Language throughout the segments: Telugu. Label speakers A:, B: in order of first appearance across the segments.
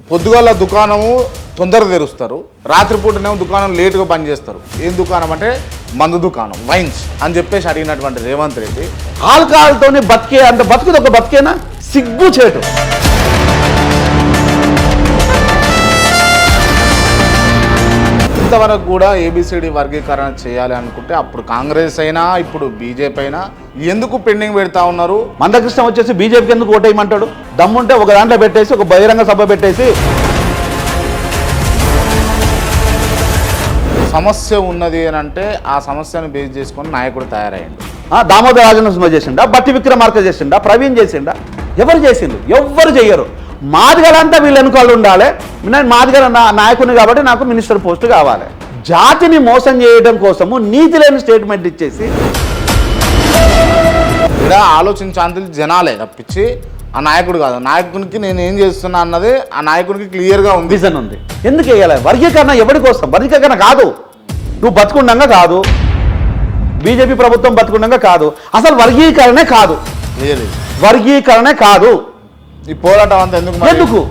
A: పొద్దుగాల దుకాణము తొందరగా తెరుస్తారు, రాత్రిపూటనేమో దుకాణం లేటుగా బంద్ చేస్తారు. ఏం దుకాణం అంటే మందు దుకాణం, వైన్స్ అని చెప్పేసి అడిగినటువంటి రేవంత్ రెడ్డి
B: ఆల్కహాల్తోనే బతికే అంత బతుకుది ఒక బతికేనా? సిగ్గు చేటు.
A: ఇంతవరకు కూడా ఏబిసిడి వర్గీకరణ చేయాలి అనుకుంటే అప్పుడు కాంగ్రెస్ అయినా ఇప్పుడు బీజేపీ అయినా ఎందుకు పెండింగ్ పెడతా ఉన్నారు?
B: మందకృష్ణ వచ్చేసి బీజేపీకి ఎందుకు ఓటేయమంటాడు? దమ్ముంటే ఒక దాంట్లో పెట్టేసి ఒక బహిరంగ సభ పెట్టేసి
A: సమస్య ఉన్నది అని అంటే ఆ సమస్యను బేస్ చేసుకొని నాయకుడు తయారయ్యండు.
B: దామోదర రాజనరసింహ చేసిండా, బట్టి విక్రమార్క చేసిండా, ప్రవీణ్ చేసిండా? ఎవరు చేసిండు? ఎవ్వరు చెయ్యరు. మాదిగలంతా వీళ్ళు వెనుకాలు ఉండాలి. నేను మాదిగల నాయకుని కాబట్టి నాకు మినిస్టర్ పోస్ట్ కావాలి. జాతిని మోసం చేయడం కోసము నీతి లేని స్టేట్మెంట్ ఇచ్చేసి
A: ఇలా ఆలోచించాలి జనాలే తప్పించి ఆ నాయకుడు కాదు. నాయకునికి నేను ఏం చేస్తున్నా అన్నది ఆ నాయకుడికి క్లియర్గా ఉంది,
B: విజన్ ఉంది. ఎందుకు వేయాలి వర్గీకరణ? ఎవరి కోసం వర్గీకరణ? కాదు, నువ్వు బతుకుండంగా కాదు, బీజేపీ ప్రభుత్వం బతుకుండంగా కాదు, అసలు వర్గీకరణే కాదు, వర్గీకరణే కాదు.
A: ఈ పోరాటం అంతా ఎందుకు?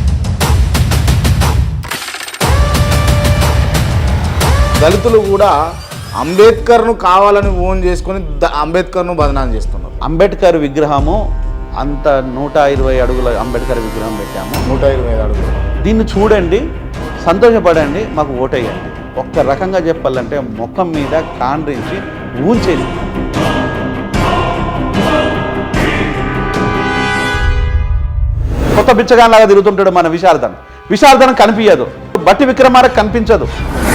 A: దళితులు కూడా అంబేద్కర్ను కావాలని ఓన్ చేసుకొని అంబేద్కర్ను బదనాం చేస్తున్నారు.
B: అంబేద్కర్ విగ్రహము అంత 120 అడుగుల అంబేద్కర్ విగ్రహం పెట్టాము,
A: 125 అడుగులు.
B: దీన్ని చూడండి, సంతోషపడండి, మాకు ఓటేయండి. ఒక్క రకంగా చెప్పాలంటే ముఖం మీద కాండ్రించి ఊంచేది. కొత్త బిచ్చగాన్లాగా తిరుగుతుంటాడు మన విశారదన కనిపించదు, బట్టి విక్రమార్క కనిపించదు.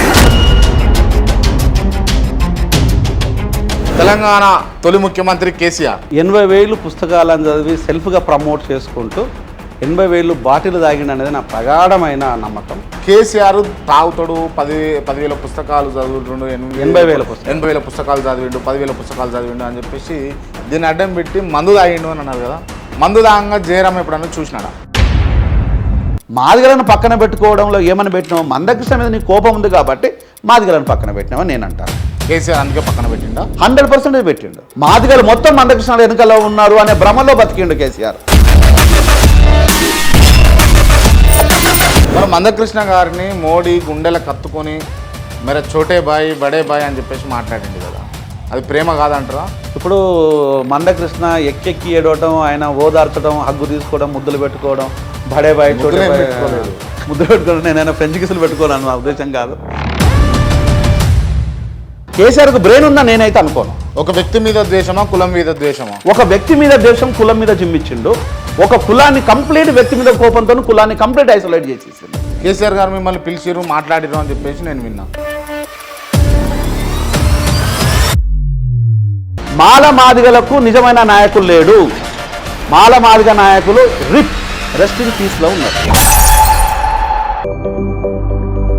A: తెలంగాణ తొలి ముఖ్యమంత్రి కేసీఆర్
B: 80,000 పుస్తకాలను చదివి సెల్ఫ్గా ప్రమోట్ చేసుకుంటూ 80,000 బాటిల్ తాగిండు అనేది నా ప్రగాఢమైన నమ్మకం.
A: కేసీఆర్ తాగుతాడు, 10,000 పుస్తకాలు చదువుతుండు, 80,000 పుస్తకాలు చదివిండు, 10,000 పుస్తకాలు చదివిండు అని చెప్పేసి దీన్ని అడ్డం పెట్టి మందు తాగిండు అని అన్నారు కదా. మందు తాగంగా జయరాం ఎప్పుడన్నా చూసినాడా?
B: మాదిగలను పక్కన పెట్టుకోవడంలో ఏమని పెట్టినావు? మందకృష్ణ మీద నీ కోపం ఉంది కాబట్టి మాదిగలను పక్కన పెట్టినావని నేను అంటాను.
A: కేసీఆర్ అందుకే పక్కన పెట్టిండా?
B: 100% పెట్టిండు. మాదిగలు మొత్తం మందకృష్ణ వెనుకలో ఉన్నారు అనే భ్రమలో బతికిండు కేసీఆర్.
A: మరి మందకృష్ణ గారిని మోడీ గుండెల కత్తుకొని మరి చోటే బాయ్ బడే బాయ్ అని చెప్పేసి మాట్లాడింది కదా, అది ప్రేమ కాదంటారా?
B: ఇప్పుడు మందకృష్ణ ఎక్కెక్కి ఏడవటం, ఆయన ఓదార్చడం, హగ్గు తీసుకోవడం, ముద్దులు పెట్టుకోవడం, బడే బాయ్ చోటే బాయ్ ముద్దులు పెట్టుకోవడం, నేనైనా ఫ్రెంచ్ కిసులు పెట్టుకోవాలని నా ఉద్దేశం కాదు. కేసీఆర్కు బ్రెయిన్ ఉందా నేనైతే అనుకోను.
A: ఒక వ్యక్తి మీద ద్వేషమా, కులం మీద ద్వేషమా?
B: ఒక వ్యక్తి మీద ద్వేషం, కులం మీద జిమ్మిచ్చిండు. ఒక కులాన్ని కంప్లీట్ వ్యక్తి మీద కోపంతో కులాన్ని కంప్లీట్ ఐసోలేట్ చేసేసిండు.
A: కేసీఆర్ గారు మిమ్మల్ని పిలిచిరు, మాట్లాడిరు అని చెప్పేసి నేను విన్నా.
B: మాల మాదిగలకు నిజమైన నాయకులు లేడు. మాల మాదిగ నాయకులు రెస్ట్ ఇన్ పీస్లో ఉన్నారు.